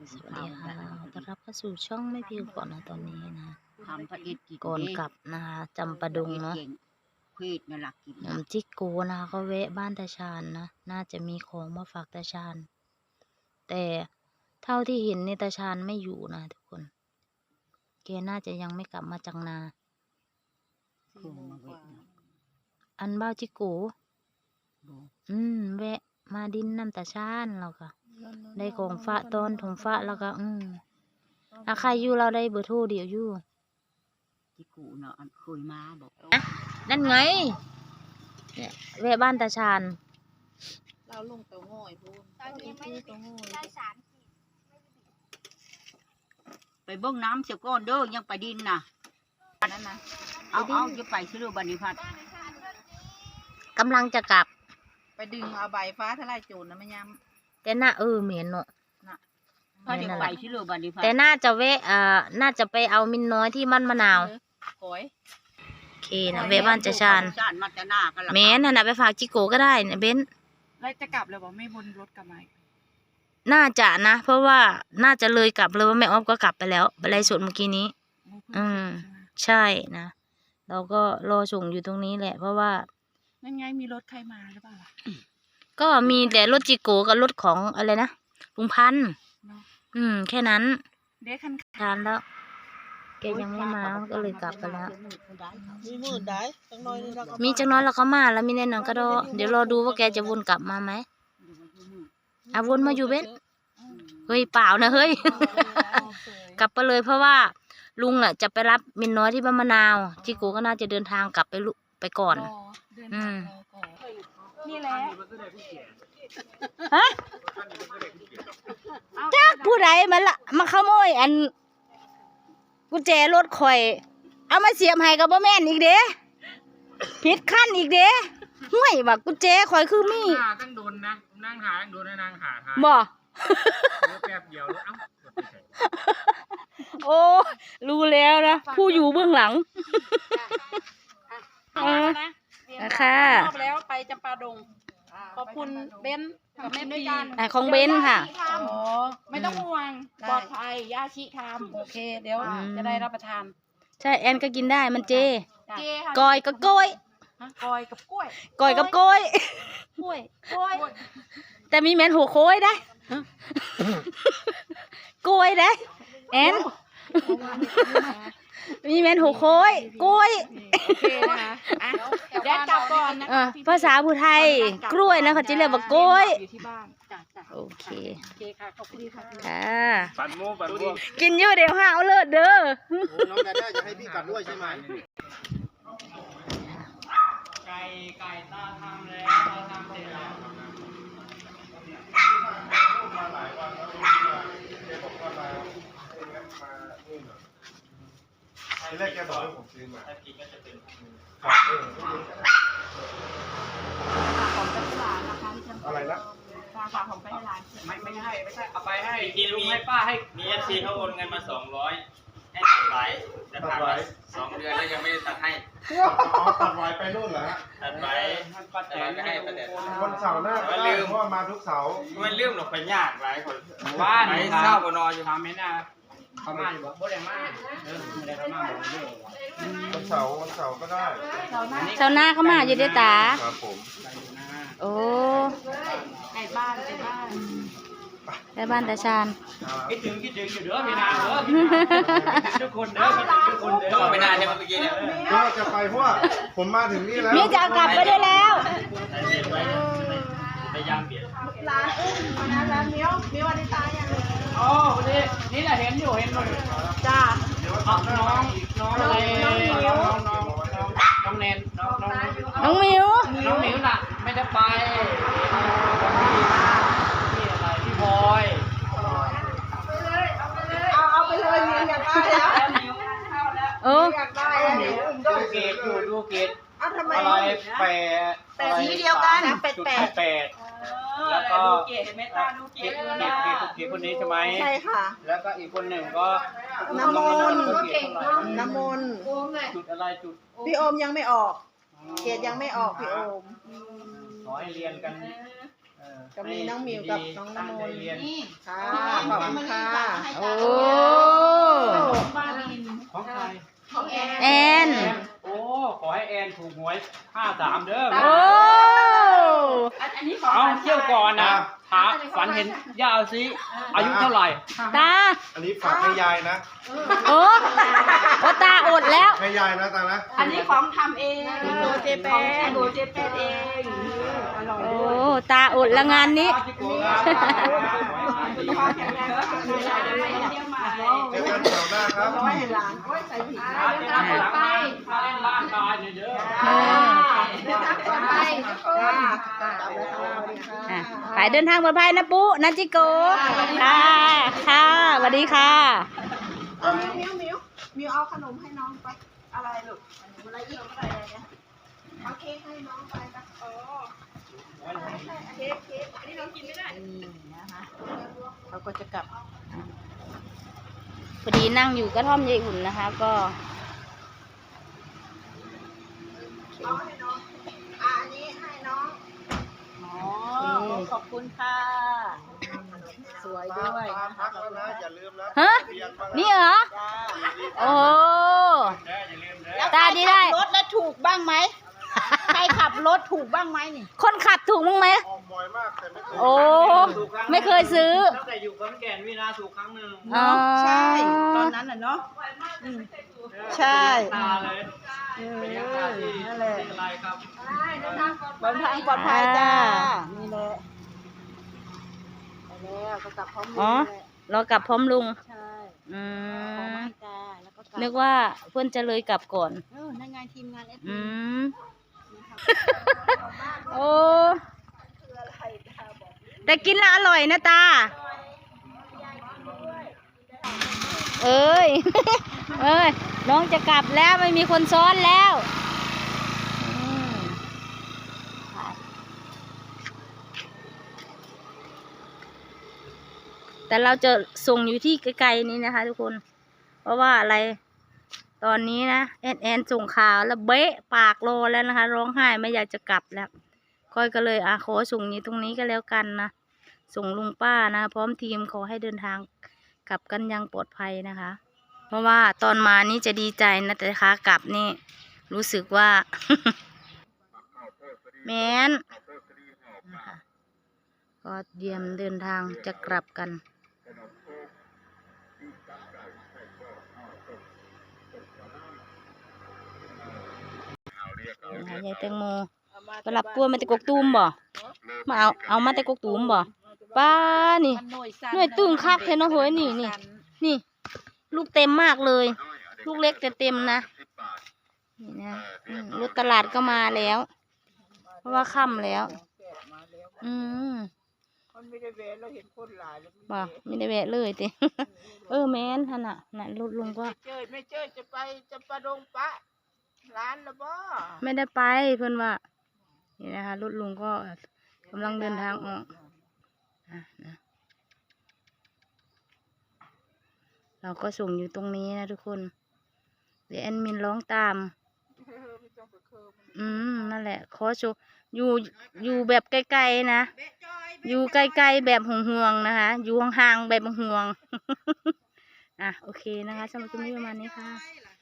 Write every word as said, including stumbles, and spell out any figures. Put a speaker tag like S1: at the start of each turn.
S1: สวัสดีค่ะต้อนรับเข้าสู่ช่องไม่พิวก่อนนะตอนนี้นะ
S2: ทำพระเอกกิน
S1: ก่อนกลับนะคะจำปาดุงเนาะ
S2: พืชนี่หลักกิน
S1: น้ำจิกโกนะคะก็แวะบ้านตาชาญนะน่าจะมีของมาฝากตาชาญแต่เท่าที่เห็นเนี่ยตาชาญไม่อยู่นะทุกคนแกน่าจะยังไม่กลับมาจากนาอันบ้าจิโกอืมแวะมาดินน้ำตาชาญเราค่ะได้ของฝากตอนถงฝากแล้วก็อืมถ้าใครอยู่เราได้เบอร์โทรเดี๋ยวอยู่
S2: จิกูเนาะเคยมาบอก
S1: นั่นไงเนี่ยแวะบ้านตาชาญ
S3: เราลงเตาง่อยพูนตอนนี้ไม่ได้ได้สาร
S2: ไปเบิ้งน้ำเสียก้อนเด้อยังไปดินน่ะนั่นนะเอาเอาจะไปซื้อบันิพัฒน์
S1: กำลังจะกลับ
S3: ไปดึงเอาใบฟ้าทลายโจรนะไม่ย้ำ
S1: แต่น่าเออเหม็นเนาะ
S2: ถ้าจะไปซื้อบันิพัฒน์
S1: แต่น่าจะแวะอ่าน่าจะไปเอามินน้อยที่มันมะนาว
S3: โอย
S1: โอเคนะแวะบ้านตาชาญแม่นน่ะไปฝากจิโกก็ได้เนี่ยเบน
S3: แล้วจะกลับเลยบอกไม่บนรถกลับมา
S1: น่าจะนะเพราะว่าน่าจะเลยกลับเลยว่าแม่อ้อมก็กลับไปแล้วไปไล่สดเมื่อกี้นี้อืมใช่นะเราก็รอส่งอยู่ตรงนี้แหละเพราะว่า
S3: นั่นไงมีรถใครมาหรือเปล่าล่ะ
S1: ก็มีแต่รถจิโกกับรถของอะไรนะลุงพันธุ์อืมแค่นั้น
S3: เด็กคัน
S1: ทานแล้วแกยังไม่มาก็เลยกลับไปแล้ว
S3: มีมือได้จังน้อยนี่เราก็
S1: มีจังน้อยเราก็มาแล้วมีแน่นอนก็รอเดี๋ยวรอดูว่าแกจะวนกลับมาไหมอ่ะวนมาอยู่เบนเฮ้ยเปล่านะเฮ้ยกลับไปเลยเพราะว่าลุงอ่ะจะไปรับมินน้อยที่บ้านมะนาวจิโกก็น่าจะเดินทางกลับไปลุไปก่อนอืม
S3: นี่แหละ
S1: ฮะจักผู้ใดมาละมาขโมยอันกุญแจรถข่อยเอามาเสียบให้กับบ่แม่นอีกเด้ผิดขั้นอีกเด้ห่วยว่ากุญแจข่อยคือมี
S4: ตั้งโดนนะนั่งหาตั้งโดนนะนางหาทาย
S1: บ่
S4: แป๊บเดียวเอ้า
S1: โอ้รู้แล้วนะผู้อยู่เบื้องหลังค่ะ
S3: รอบแล้วไปจำปาดงขอบคุณเบนกับแม่ด้วยกัน
S1: ของเบนค่ะ
S3: อ๋อไม่ต้องห่วงปลอดภัยย่าชิทำโอเคเดี๋ยวจะได้รับประทาน
S1: ใช่แอนก็กินได้มันเจ
S3: เจ
S1: กอยกับกล้วย
S3: กอยกับกล้วย
S1: กอยกับกล้วย
S3: กล้วยกล้วย
S1: แต่มีแมนหัวโค้ยได้กล้วยได้แอนมีแมนหัวโค้ยกล้วย
S3: โอเคนะคะเดี๋ยวกลับก่อนนะคะ
S1: ภาษาผู้ไทยกล้วยนะเขาจะเรียกว่ากล้วย
S3: อยู่ที่บ้าน
S1: โอเค
S3: โอเคค่ะขอบคุณค่ะ
S1: ค่ะ
S4: ปั่นโม่ปั่นโม่
S1: กินเยอะเดี๋ยวห้าวเลิศเด้อ
S4: น้องแดน่าจะให้พี่กลับด้วยใช่ไหมไก่ไก่ตาทำแล้วตาทำเสร็จแล้วทีแรกแกบอกให้ผมซื้อมาถ้ากินก็จะเป็นครับเออ
S3: ของไปที่ร้านนะคะที่จำ
S4: อะไรนะ
S3: ราคาของไปที่ร้าน
S4: ไม่ไม่ให้ไม่ใช่เอาไปให้กินลุงให้ป้าให้มีเอฟซีเขาโอนเงินมาสองร้อยให้ตัดไว้จะผ่านมาสองเดือนแล้วยังไม่ได้ตัดให้
S5: ตัดไว้ไปนู่นเหรอฮะ
S4: ตัดไว้แต่เราจะให้ประเด็น
S5: วันเสาร์หน้าก็ลืมเพราะว่ามาทุกเสาร์
S4: มันลืมหรอกไปยากไว้คนบ้านไปเศร้าบนนอนอยู่ทำไม่น่าเขามาอยู่บ่บ่ได้มาเออไม่ได้เขามาบ่เยอะ
S5: วันเสาร์วันเสาร์ก็ได้
S1: เช้าหน้าเขามาอยู่ด้วยตา
S5: ครับผม
S1: โอ้
S3: ในบ้านในบ้าน
S1: ในบ้านตาชาญ
S4: คิดถึงคิดถึงอยู่เด้อพี่นาเด้อคิดถึงทุกคนเด้อคิดถึงทุกคนเด้อไม่นานใช่ไหมเมื่อกี้เนี่ย
S5: ก็จะไปเพราะว่าผมมาถึงนี่แล้ว
S1: มีจะกลับไปได้แล้ว
S4: พยายามเปลี่ยน
S3: ร้านอุ้มนะร้านเนี้ยมีวันนี้ตายยัง
S4: อ๋อวันนี้นี่แหละเห็นอยู่เห็นอยู่
S3: จ้า
S4: น้องน้องน้องอะไรน้องน้องน้องน้องเนนน้องน้อง
S1: น้องมิว
S4: น้องมิวน่ะไม่ได้ไปที่อะไรพี่บอย
S3: เอาไปเลยเอาไปเลยเอาเอาไปเลยมิวอยากได้แล้วมิวเข้าแล้ว
S1: เออ
S3: อยากได้แล้วมิว
S4: ดูเกตดูดูเกต
S3: เอาทำไม
S4: อะไรแปด
S3: แปดสีเดียวกันแปดแปด
S4: แปดแล้วก็
S3: เกตเมตาดูเกต
S4: เกตเกตเกตคนนี้ใช่ไหม
S3: ใช่ค่ะ
S4: แล้วก็อีกคนหนึ่งก็
S3: น้ำมนต์น้ำมนต์
S4: จุดอะไรจุด
S3: พี่โอมยังไม่ออกเกตยังไม่ออกพี่โอม
S4: ขอให้เรียนกัน
S3: ก็มีน้องมิวกับน้องน้ำมนต์
S2: นี่
S3: ค่ะขอบคุณค่ะ
S1: โอ้
S3: บ้านดิน
S4: ของใคร
S3: ของแอน
S1: แอน
S4: โอ้ ขอให้แอนถูกหวยห้าสามเด้อ
S1: โอ้
S3: อันนี้ของ
S4: เอาเที่ยวก่อนนะถามฝันเห็นย่าซิอายุเท่าไหร่
S1: ตา
S5: อันนี้ฝากให้ยายนะ
S1: โอ้โอ้ตาอดแล้ว
S5: ให้ยายนะตานะ
S3: อันนี้ของทำเองโดเจแปนโดเจแปนเอง อร่อย
S1: โอ้
S3: ด้วย
S1: ตาอดละงานนี้
S3: สุขภาพแข็งแรงแล้วมีอะไรเดี๋ยวมาเที่ยวใหม่
S5: เจอกันแถวหน้าครับ
S3: ร้อยหลานโอ้ยใส่ผิด
S4: มาเดินทางหลังมามาเล่นบ้านกายเด้อ
S1: เออ
S3: เดินทางปลอดภัยทุกคนกลับแล้วค่ะสวัสดีค่ะ
S1: อ่ะไปเดินทางปลอดภัยนะปุ๊นะจิโกค่ะค่ะสวัสดีค่ะ
S3: เอามิวมิวมิวมิวเอาขนมให้น้องไป อะไรลูกขนมอะไรอีกอะไรเนี่ยเอาเค้กให้น้องไปนะโอ้เค้กเค้กอันนี้น้องกินไม่ได้นี่นะคะเราก็จะกลับ
S1: พอดีนั่งอยู่กระท่อมยายอุ่นนะคะ ก็
S3: เอาให้น้องอ่ะอันนี้ให้น้องอ๋อขอบคุณค่ะ สวยด้วย
S5: ตาม
S3: นะ
S5: ทั
S3: คะ
S5: กแล้วนะอย่าลืมนะ
S1: ฮะ
S5: เรียนบ้างะ
S1: นี่เหรอ
S3: จ้า
S1: โอ้
S4: อย่าลืมเด้อ
S3: แล้ว
S1: ตาดีได้
S3: ใครขับรถแล้วถูกบ้างไหม ใครขับรถถูกบ้างไหมนี่
S1: คนขับถูกมั้งไหม
S5: ออกบ่อยมากแต่ไม่เคย
S1: โอ้ ไม่เคยซื้อ
S4: ตั้งแต่อยู่ขอนแก่นวินาถูกครั้งหนึ่ง
S1: อ๋อ
S3: ใช่ ตอนนั้นน่ะเนาะอืมใช่
S4: ตาเลย
S3: เออ
S4: เป็นยังตาที่
S3: นั่นแหละ
S4: ที่อะไรครับ
S3: เดินทางปลอดภัยจ้า นี่แหละไปแล้วก็กลับพร้อม
S1: อ๋อ
S3: แหละ
S1: เรากลับพร้อมลุง
S3: ใช่
S1: อื
S3: ของ
S1: ม
S3: มาจ้าแล้วก็กลับ
S1: นึกว่าเพื่อนจะเลยกลับก่อน
S3: เออนั่นไงทีมงานเอส
S1: อืม โอ้ แต่กินแล้วอร่อยนะตา เอ้ย เอ้ย น้องจะกลับแล้วไม่มีคนซ้อนแล้วอืมแต่เราจะส่งอยู่ที่ไกลๆนี้นะคะทุกคน เพราะว่าอะไร ตอนนี้นะแอนแอนส่งข่าวแล้วเบะปากโลแล้วนะคะ ร้องไห้ไม่อยากจะกลับแล้วค่อยก็เลยอ่ะขอส่งนี้ตรงนี้ก็แล้วกันนะส่งลุงป้านะพร้อมทีมขอให้เดินทางกลับกันอยังปลอดภัยนะคะ เพราะว่าตอนมานี่จะดีใจนะแต่ขากลับนี่รู้สึกว่า แมนนะคะก็เตรียมเดินทางจะกลับกันนะคะยายแตงโมไปรับตัวมาแต่กกตูมบ่มาเอาเอามาแต่กกตูมบ่ป้านี่หน่วยตึงคักเทนเอาเฮ้ยนี่นี่นี่ลูกเต็มมากเลย ลูกเล็กแต่เต็มนะนี่นะอืมรถตลาดก็มาแล้ว เพราะว่าค่ำแล้ว อืม
S3: มันไม่ได้แวะเราเห็นคนหลายแล้ว
S1: บ่ไม่ได้แวะเลยติ เออแม่นท่านน่ะน่ะรถลุงก็
S3: เจอไม่เจอจะไปจะประดงปะร้านละบ่
S1: ไม่ได้ไปเพื่อนว่านี่นะคะรถลุงก็กำลังเดินทางออกอ่ะนะเราก็ส่งอยู่ตรงนี้นะทุกคน เดี๋ยวแอดมินร้องตาม อืมนั่นแหละขอโชว์อยู่อยู่แบบไกลๆนะ อยู่ไกลๆแบบห่วงๆนะคะ อยู่ห่างๆแบบห่วงๆ อ่ะโอเคนะคะสำหรับคลิปนี้ประมาณนี้ค่ะ